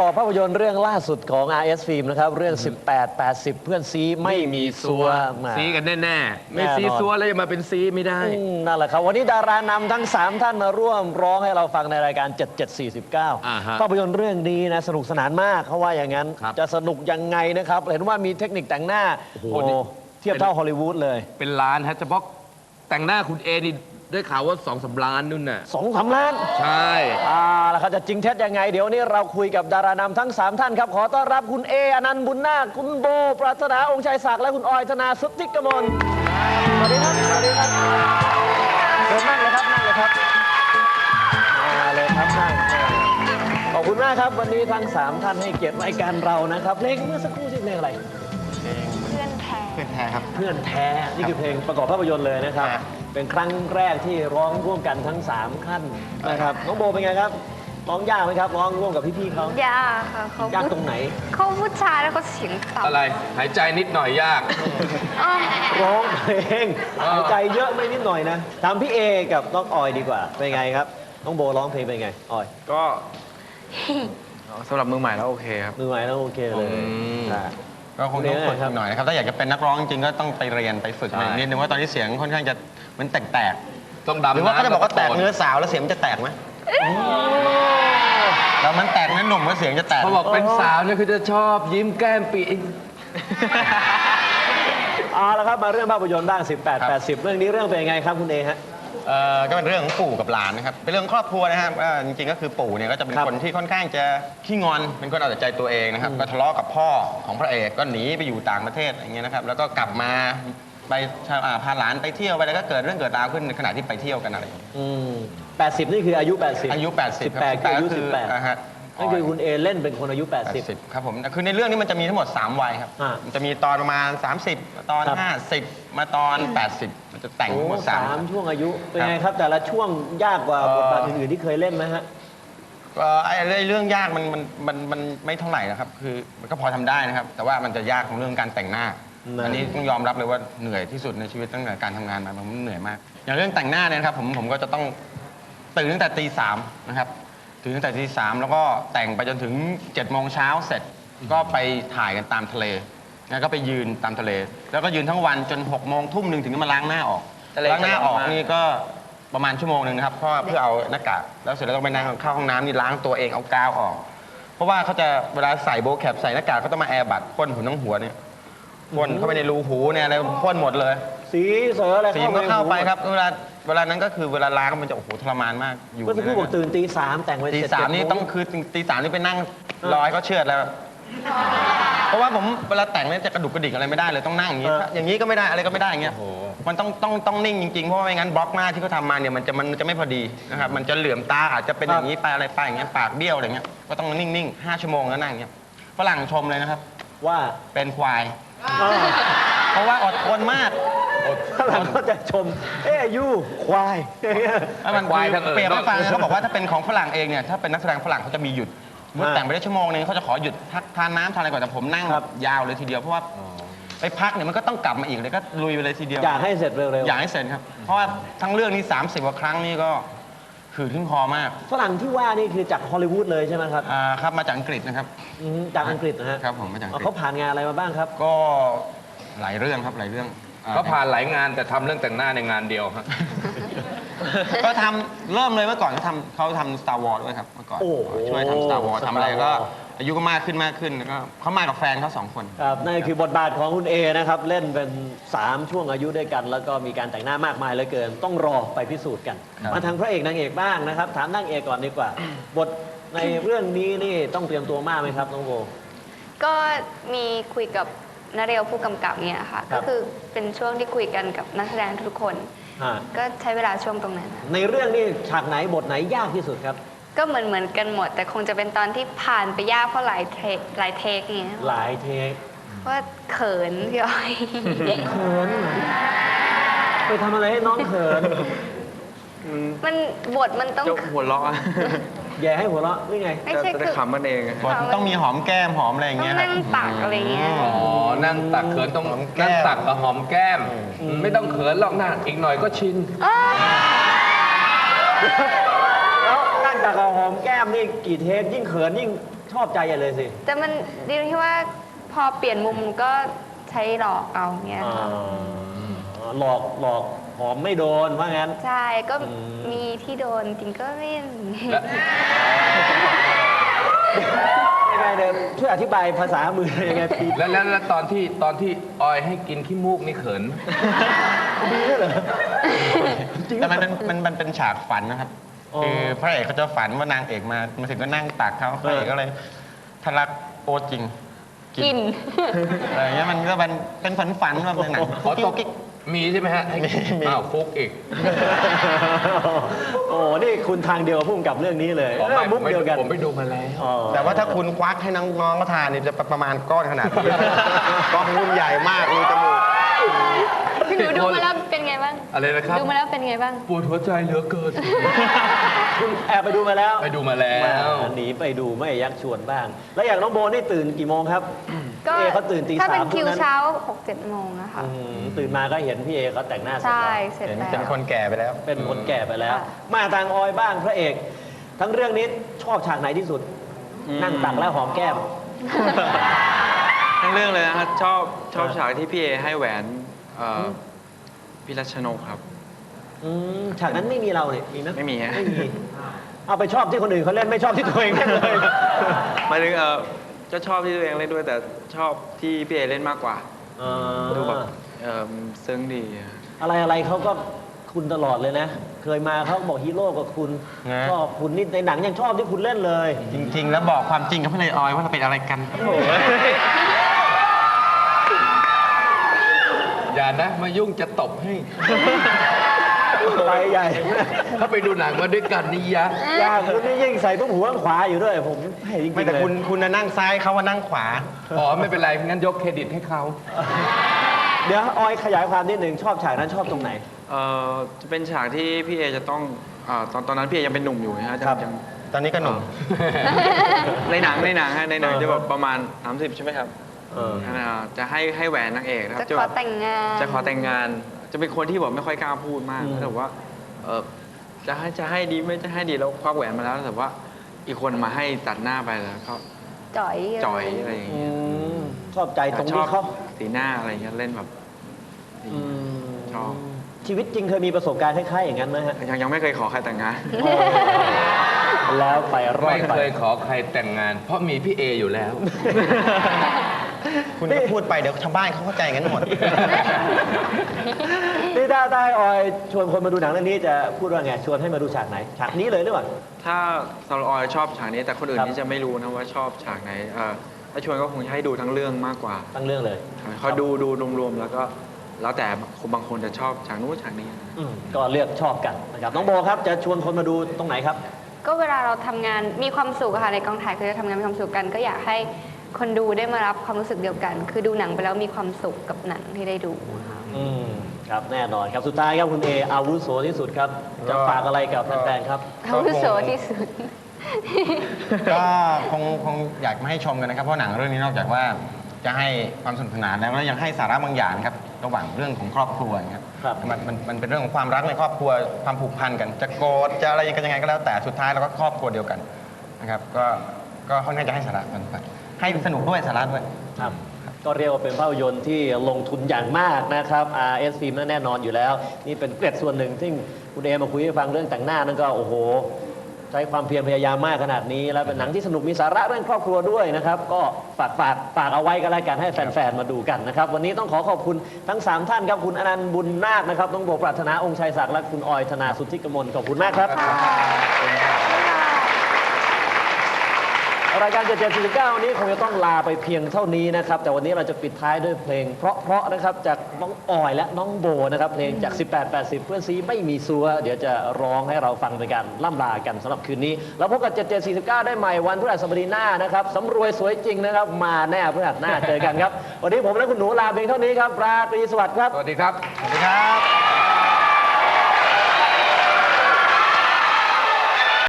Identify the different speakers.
Speaker 1: อบภาพยนตร์เรื่องล่าสุดของ RS Film นะครับเรื่อง 18-80 เพื่อนซีไม่มีซัว
Speaker 2: ซีกันแน่ๆไม่ซีซัวแล้วจะมาเป็นซีไม่ได้
Speaker 1: นั่นแหละครับวันนี้ดารานำทั้ง 3 ท่านมาร่วมร้องให้เราฟังในรายการ 7749 ภาพยนตร์เรื่องนี้นะสนุกสนานมากเขาว่าอย่างนั้นจะสนุกยังไงนะครับเห็นว่ามีเทคนิคแต่งหน้าโอ้เทียบเท่าฮอลลีวูดเลย
Speaker 2: เป็นล้านฮะเฉพาะแต่งหน้าคุณเอนี่ได้ข่าวว่า2-3 ล้านนู่นน่ะ
Speaker 1: 2-3 ล้าน
Speaker 2: ใช่
Speaker 1: แล้วเขาจะจริงเท็จยังไงเดี๋ยวนี้เราคุยกับดารานำทั้ง 3 ท่านครับขอต้อนรับคุณเออนันต์บุญนาคคุณโบปรารถนาองค์ชัยศักดิ์และคุณออยธนาสุทธิกมลสวัสดีครับสวัสดีครับเชิญนั่งเลยครับนั่งเลยครับมาเลยครับนั่งขอบคุณมากครับวันนี้ทั้ง3ท่านให้เกียรติรายการเรานะครับเพลงเมื่อสักครู่ชื่อเพลงอะไร
Speaker 3: เพื่อนแท้
Speaker 1: ครับเพื่อนแท้นี่คือเพลงประกอบภาพยนตร์เลยนะครับเป็นครั้งแรกที่ร้องร่วมกันทั้ง3ขั้นนะครับน้องโบเป็นไงครับร้องยากไหมครับร้องร่วมกับพี่ๆเขา
Speaker 3: ยากค่ะเขา
Speaker 1: ยากตรงไหน
Speaker 3: เขาผู้ชายแล้วเขาเสียงต่ำ
Speaker 2: อะไรหายใจนิดหน่อยยาก
Speaker 1: ร้องเพลงหายใจเยอะไม่นิดหน่อยนะถามพี่เอกับน้องออยดีกว่าเป็นไงครับน้องโบร้องเพลงเป็นไงออย
Speaker 4: ก็สำหรับมือใหม่แล้วโอเคครับ
Speaker 1: มือใหม่แล้วโอเคเลย
Speaker 4: ก็คงต้องฝึกหน่อยนะครับถ้าอยากจะเป็นนักร้องจริงก็ต้องไปเรียนไปฝึกนิดนึงว่าตอนนี้เสียงค่อนข้างจะมันแตก
Speaker 2: ต้องดำ
Speaker 4: หรือว่าเขาจะบอกว่าแตกเนื้อสาวแล้วเสียงจะแตกไหมแล้วมันแตกนั้นหนุ่มก็เสียงจะแตก
Speaker 2: เขาบอกเป็นสาวเนี่ยคือจะชอบยิ้มแก้มปี
Speaker 1: แล้วครับมาเรื่องภาพยนตร์บ้าง18-80เรื่องนี้เรื่องเป็นยังไงครับคุณเอฮะ
Speaker 4: ก็เป็นเรื่องของปู่กับหลานนะครับเป็นเรื่องครอบครัวนะครับจริงๆก็คือปู่เนี่ยก็จะเป็นคนที่ค่อนข้างจะขี้งอนเป็นคนเอาแต่ใจตัวเองนะครับก็ทะเลาะกับพ่อของพระเอกก็หนีไปอยู่ต่างประเทศอย่างเงี้ยนะครับแล้วก็กลับมาไปพาหลานไปเที่ยวไปแล้วก็เกิดเรื่องเกิดราวขึ้นในขณะที่ไปเที่ยวกันอะไรอย่างเงี้ย
Speaker 1: 80นี่คืออายุ80
Speaker 4: อายุ80
Speaker 1: 18คืออายุ18นั่นคือคุณเอเล่นเป็นคนอายุ80
Speaker 4: ครับผมคือในเรื่องนี้มันจะมีทั้งหมด3วัยครับมันจะมีตอนประมาณ30ตอน50มาตอน80มันจะแต่งทั้งหมด
Speaker 1: 3ช่วงอายุเป็นไงครับแต่ละช่วงยากกว่าบทบาทอื่นๆที่เคยเล่นไหมฮะ
Speaker 4: เรื่องยากมันไม่เท่าไหร่นะครับคือมันก็พอทำได้นะครับแต่ว่ามันจะยากของเรื่องการแต่งหน้าอันนี้ต้องยอมรับเลยว่าเหนื่อยที่สุดในชีวิตตั้งแต่การทำงานมาผมเหนื่อยมากอย่างเรื่องแต่งหน้าเนี่ยครับผมก็จะต้องตื่นตั้งแต่ตี 3นะครับตื่นตั้งแต่ตี 3แล้วก็แต่งไปจนถึง7 โมงเช้าเสร็จก็ไปถ่ายกันตามทะเลแล้วก็ไปยืนตามทะเลแล้วก็ยืนทั้งวันจน6 โมงทุ่มหนึ่งถึงจะมาล้างหน้าออกล้างหน้าออกนี่ก็ประมาณ1 ชั่วโมงนะครับเพราะเพื่อเอาหน้ากากแล้วเสร็จแล้วต้องไปนั่งเข้าห้องน้ำนี่ล้างตัวเองเอากาวออกเพราะว่าเขาจะเวลาใส่โบว์แคปใส่หน้ากากเขาต้องมาแอร์บัดพ่นหุ่นทั้งหัวเนี่ยพ่นเข้าไปในรูหูเนี่ยอะไรพ่นหมดเลย
Speaker 1: สีเสืออะไร
Speaker 4: สีก็เข้าไปครับเวลานั้นก็คือเวลาล้างมันจะโอ้โหทรมานมาก
Speaker 1: อยู่ก็จะพูดบอกตื่นตี 3แต่งไว้
Speaker 4: ตี 3นี่ต้องคือตี 3นี่ไปนั่งรอให้เขาเชือดแล้วเพราะว่าผมเวลาแต่งเนี่ยจะกระดุกกระดิกอะไรไม่ได้เลยต้องนั่งอย่างนี้ก็ไม่ได้อะไรก็ไม่ได้อย่างเงี้ยมันต้องนิ่งจริงๆเพราะไม่งั้นบล็อกหน้าที่เขาทำมาเนี่ยมันจะไม่พอดีนะครับมันจะเหลื่อมตาอาจจะเป็นอย่างนี้ไปอะไรไปอย่างเงี้ยปากเบี้ยวอะไรเงี้ยก็ต้องนิ่งๆ5 ชั่วโมงแล้วนั่งอย่างเงี้ยฝรั่งชมเลยนะครับ
Speaker 1: ว่า
Speaker 4: เป็นควายเพราะว่าอดทนมาก
Speaker 1: ฝรั่งก็จะชมยูควาย
Speaker 4: มันควายทั้งเปรียบให้ฟังเขาบอกว่าถ้าเป็นของฝรั่งเองเนี่ยถ้าเป็นนักแสดงฝรั่งเขาจะมีหยุดเมื่อแต่งไปได้1 ชั่วโมงนึงเขาจะขอหยุดพักทานน้ำทานอะไรก่อนแต่ผมนั่งยาวเลยทีเดียวเพราะว่าไปพักเนี่ยมันก็ต้องกลับมาอีกเลยก็ลุยไปเลยทีเดียว
Speaker 1: อยากให้เสร็จเร็ว
Speaker 4: ๆอยากให้เสร็จครับเพราะว่าทั้งเรื่องนี้30 กว่าครั้งนี่ก็ขืนขึ้นคอมาก
Speaker 1: ฝรั่งที่ว่านี่คือจากฮอลลีวูดเลยใช่ไหมครับ
Speaker 4: ครับมาจากอังกฤษนะครับ
Speaker 1: จากอังกฤษนะฮะ
Speaker 4: ครับผมมาจากอังกฤษ
Speaker 1: เขาผ่านงานอะไรมาบ้างครับ
Speaker 4: ก็หลายเรื่องครับหลายเรื่อง
Speaker 2: เขาผ่านหลายงานแต่ทำเรื่องแต่งหน้าในงานเดียวครับ
Speaker 4: ก็ทำเริ่มเลยเมื่อก่อนเขาทำ Star Wars ด้วยครับเมื่อก่อนช่วยทำ Star Wars ทำอะไรก็อายุก็มากขึ้นแล้วก็เขามากับแฟนเขา2 คน
Speaker 1: ครับนั่นคือบทบาทของคุณเอนะครับเล่นเป็น3 ช่วงอายุด้วยกันแล้วก็มีการแต่งหน้ามากมายเหลือเกินต้องรอไปพิสูจน์กันมาทางพระเอกนางเอกบ้างนะครับถามนางเอกก่อนดีกว่าบทในเรื่องนี้นี่ต้องเตรียมตัวมากไหมครับน้องโบ
Speaker 3: ก็มีคุยกับนาเรียวผู้กำกับเนี่ยค่ะก็คือเป็นช่วงที่คุยกันกับนักแสดงทุกคนก็ใช้เวลาช่วงตรงนั้น
Speaker 1: ในเรื่องนี้ฉากไหนบทไหนยากที่สุดครับ
Speaker 3: ก็เหมือนกันหมดแต่คงจะเป็นตอนที่ผ่านไปยากเพราะหลายเทคอย่างเงี้ย
Speaker 1: หลายเทค
Speaker 3: ว่าเขินพี่อ้อย
Speaker 1: เขินไปทำอะไรให้น้องเขิน
Speaker 3: มันบทมันต้อง
Speaker 4: หัวเราะ
Speaker 1: แย่ให้หัวเราะนี่ไง
Speaker 3: ไม่ใช่คือ
Speaker 4: ขำมันเองต้องมีหอมแก้มหอมอะไรอย่างเงี้ย
Speaker 3: นั่งตักอะไรเงี้ย
Speaker 2: นั่งตักเขินต้องนั่งตักกับหอมแก้มไม่ต้องเขินหรอกนะอีกหน่อยก็ชิน
Speaker 1: แล้วนั่งตักกับหอมแก้มนี่กี่เทปยิ่งเขินยิ่งชอบใจใหญ่เลยสิ
Speaker 3: แต่มันดีตรงที่ว่าพอเปลี่ยนมุมก็ใช้หลอกเอาเงี้ยค่ะ
Speaker 1: หลอกหอมไม่โดนว่างั้น
Speaker 3: ใช่ก็
Speaker 1: อืม
Speaker 3: มีที่โดนจริงก็ไม่
Speaker 2: และ
Speaker 1: ยังไงเดิมช่วยอธิบายภาษามือยังไงพี่
Speaker 2: แล้วตอนที่ออยให้กินขี้มูกนี่เขิน
Speaker 1: ดีด้วยเหรอจริง
Speaker 4: แต่มันเป็นฉากฝันนะครับ
Speaker 1: อ๋อ
Speaker 4: คือพระเอกเขาจะฝันว่านางเอกมาถึงก็นั่งตักเขาพระเอกก็เลยทะลักโอจริง
Speaker 3: กิน
Speaker 4: อะไรอย่างเงี้ยมันก็เป็นฝันแบบในหนัง
Speaker 2: ขอตกมีใช่ไหมฮะให้
Speaker 4: มี
Speaker 2: อ้าวฟุกอีก
Speaker 1: โอ้นี่คุณทางเดียวกับพุ่มกับเรื่องนี้เลย
Speaker 2: อ๋อไม่
Speaker 1: มุกเดียวกัน
Speaker 2: ผมไปดูมาแล้ว
Speaker 1: อ๋อ
Speaker 4: แต่ว่าถ้าคุณควักให้น้องๆก็ทานนี่จะประมาณก้อนขนาดนี้ ก้อนรุ่นใหญ่มากมีจมูก
Speaker 3: พี่หนูดูมาแล้วเป็นไงบ้าง
Speaker 2: อะไรนะครับ
Speaker 3: ดูมาแล้วเป็นไงบ้าง
Speaker 2: ปวดหัวใจเหลือเกิน
Speaker 1: คุณแอบไปดูมาแล้ว
Speaker 2: ไปดูมาแล้ว
Speaker 1: หนีไปดูไม่ยักชวนบ้าง แล้วอย่างน้องโบนี่ตื่นกี่โมงครับ
Speaker 3: ก็
Speaker 1: พี่เอเขาตื่นตี
Speaker 3: ถ้า
Speaker 1: สา
Speaker 3: เป็น
Speaker 1: ม
Speaker 3: คิว
Speaker 1: พรุ่งนั้น
Speaker 3: เช้า 6-7 โมงอะค่ะ
Speaker 1: ตื่นมาก็เห็นพี่เอเขาแต่งหน้าเสร็จ
Speaker 3: ใช่
Speaker 1: แล้ว
Speaker 3: เสร็จ
Speaker 4: เป็น
Speaker 3: แล้ว
Speaker 4: เป็นคนแก่ไปแล้ว
Speaker 1: เป็นคนแก่ไปแล้ว
Speaker 3: ค่ะ
Speaker 1: มาทางออยบ้างพระเอก ทั้งเรื่องนี้ชอบฉากไหนที่สุด นั่งตักแล้วหอมแก้ม
Speaker 5: ทั้งเรื่องเลยนะครับชอบฉากที่พี่เอให้แหวนพี่รัชนกครับ
Speaker 1: ฉากนั้นไม่มีเราเนี่ยมีไหม
Speaker 5: ไม่มีฮะ
Speaker 1: ไม่มีเอาไปชอบที่คนอื่นเขาเล่นไม่ชอบที่ตัวเองเล่นเลย
Speaker 5: หมายถึงจะชอบที่ตัวเองเล่นด้วยแต่ชอบที่พี่เอเล่นมากกว่า ดูแบบซึ้งดีอะ
Speaker 1: อะไรเขาก็คุณตลอดเลยนะ เคยมาเขาบอกฮีโร่กับคุณ
Speaker 4: นะ
Speaker 1: ชอบคุณนี่ในหนังยังชอบที่คุณเล่นเลย
Speaker 4: จริง ๆ แล้วบอกความจริงกับพี่เลยออยว่าเราเป็นอะไรกัน
Speaker 2: อย่านะมายุ่งจะตบให้
Speaker 1: ไปใหญ่
Speaker 2: ถ้าไปดูหนังมาด้วยกันนี่ยะ
Speaker 1: ยากคุณนี่ยิ่งใส่ตุ้มหัวข้างขวาอยู่ด้วย ผมให้จริงๆ
Speaker 4: ไม่แต่
Speaker 1: เลย
Speaker 4: คุณน่ะนั่งซ้ายเขาว่านั่งขวา
Speaker 2: อ๋อไม่เป็นไรงั้นยกเครดิตให้เขา
Speaker 1: เดี๋ยวออยขยายความนิดหนึ่งชอบฉากนั้นชอบตรงไหน
Speaker 5: จะเป็นฉากที่พี่เอจะต้องตอนนั้นพี่เอยังเป็นหนุ่มอยู่นะฮะ
Speaker 1: ครับ
Speaker 5: ยัง
Speaker 4: ตอนนี้ก็หนุ่ม
Speaker 5: ในหนังฮะในหนังจะแบบประมาณ 30 ใช่ไหมครับ
Speaker 1: เออ
Speaker 5: จะให้แหวนนางเอกนะครับ
Speaker 3: จะขอแต่งงาน
Speaker 5: จะขอแต่งงาน จะเป็นคนที่แบบไม่ค่อยกล้าพูดมาก
Speaker 1: อืม
Speaker 5: แต่ว่าจะให้ดีไม่จะให้ดีแล้วควักแหวนมาแล้วแต่ว่าอีกคนมาให้ตัดหน้าไปแล้วก็
Speaker 3: จ่อย
Speaker 5: จ่อยอะไรอย่าง
Speaker 1: อื
Speaker 5: เงี้ย
Speaker 1: มชอบใจตรง
Speaker 5: ช
Speaker 1: นี้
Speaker 5: อบ
Speaker 1: เขา
Speaker 5: สีหน้าอะไรเงี้ยเล่นแบบดี
Speaker 1: อืม
Speaker 5: ชอบ
Speaker 1: ชีวิตจริงเคยมีประสบการณ์คล้ายๆอย่างนั้นไหมฮะ
Speaker 5: ยังไม่เคยขอใครแต่งงาน
Speaker 1: แล้วไปรอ
Speaker 2: ไม่
Speaker 1: ดไป
Speaker 2: เคยขอใครแต่งงาน เพราะมีพี่เออยู่แล้ว
Speaker 4: คุณก็พูดไปเดี๋ยวชาวบ้านเขาเข้าใจกันหมด
Speaker 1: นี่ถ้าได้ออยชวนคนมาดูหนังเรื่องนี้จะพูดว่าไงชวนให้มาดูฉากไหน ฉากนี้เลยหรือเปล่า
Speaker 5: ถ้าสำหรับออยชอบฉากนี้แต่คนอื่น
Speaker 1: ครับ
Speaker 5: นี่จะไม่รู้นะว่าชอบฉากไหนถ้าชวนก็คงจะให้ดูทั้งเรื่องมากกว่า
Speaker 1: ตั้งเรื่องเลย
Speaker 5: เขาดูรวมๆแล้วก็แล้วแต่คนบางคนจะชอบฉากนู้นฉากนี้
Speaker 1: ก็เลือกชอบกันนะครับน้องโบครับจะชวนคนมาดูตรงไหนครับ
Speaker 3: ก็เวลาเราทำงานมีความสุขอะค่ะในกองถ่ายคือจะทำงานมีความสุขกัน ก็อยากให้คนดูได้มารับความรู้สึกเดียวกัน คือดูหนังไปแล้วมีความสุขกับหนังที่ได้ดูค่ะ
Speaker 1: ครับแน่นอนครับสุดท้ายครับคุณเออาวุโสที่สุดครับ จะฝากอะไรกับแฟนๆครับ
Speaker 3: อาวุโสที่สุด
Speaker 4: ก็คงอยากมาให้ชมกันนะครับ เพราะหนังเรื่องนี้นอกจากว่าจะให้ความสนุกสนานแล้วยังให้สาระบางอย่างครับระหว่างเรื่องของครอบครัวนะครับ
Speaker 1: ครับ
Speaker 4: มันเป็นเรื่องของความรักในครอบครัวความผูกพันกัน จะโกรธจะอะไรยังไงก็แล้วแต่สุดท้ายเราก็ครอบครัวเดียวกันนะครับก็ค่อนข้างจะให้สาระมันไปให้สนุกด้วยสาระด้วย
Speaker 1: ครับก็เรียกว่าเป็นภาพยนตร์ที่ลงทุนอย่างมากนะครับ RS Film นั่นแน่นอนอยู่แล้ว นี่เป็นเกร็ดส่วนหนึ่งที่คุณเอมาคุยให้ฟังเรื่องแต่งหน้านั่นก็โอ้โห ใช้ความเพียรพยายามมากขนาดนี้ แล้วเป็นหนังที่สนุกมีสาระเรื่องครอบครัวด้วยนะครับ ก็ฝากเอาไว้กันแล้วกันให้แฟนๆมาดูกันนะครับ วันนี้ต้องขอขอบคุณทั้ง 3 ท่านครับคุณอนันต์บุญนาคนะครับน้องโบปรารถนาองค์ชัยศักดิ์และคุณออยธนาสุทธิกมลขอบคุณมากครับ รายการ7749วันนี้คงจะต้องลาไปเพียงเท่านี้นะครับ แต่วันนี้เราจะปิดท้ายด้วยเพลงเพราะๆนะครับจากน้องออยและน้องโบนะครับเพลงจาก 1880 เพื่อนซีไม่มีซัวเดี๋ยวจะร้องให้เราฟังเป็นการล่ำลากันสำหรับคืนนี้แล้วพบกับ7749ได้ใหม่วันพฤหัสบดีหน้านะครับสำรวยสวยจริงนะครับมาแน่พฤหัสหน้าเจอกันครับ วันนี้ผมและคุณหนูลาเพียงเท่านี้ครับราตรีสวัสดิ์ครับ
Speaker 2: สวัสดีครับ
Speaker 4: สวัสดีครับ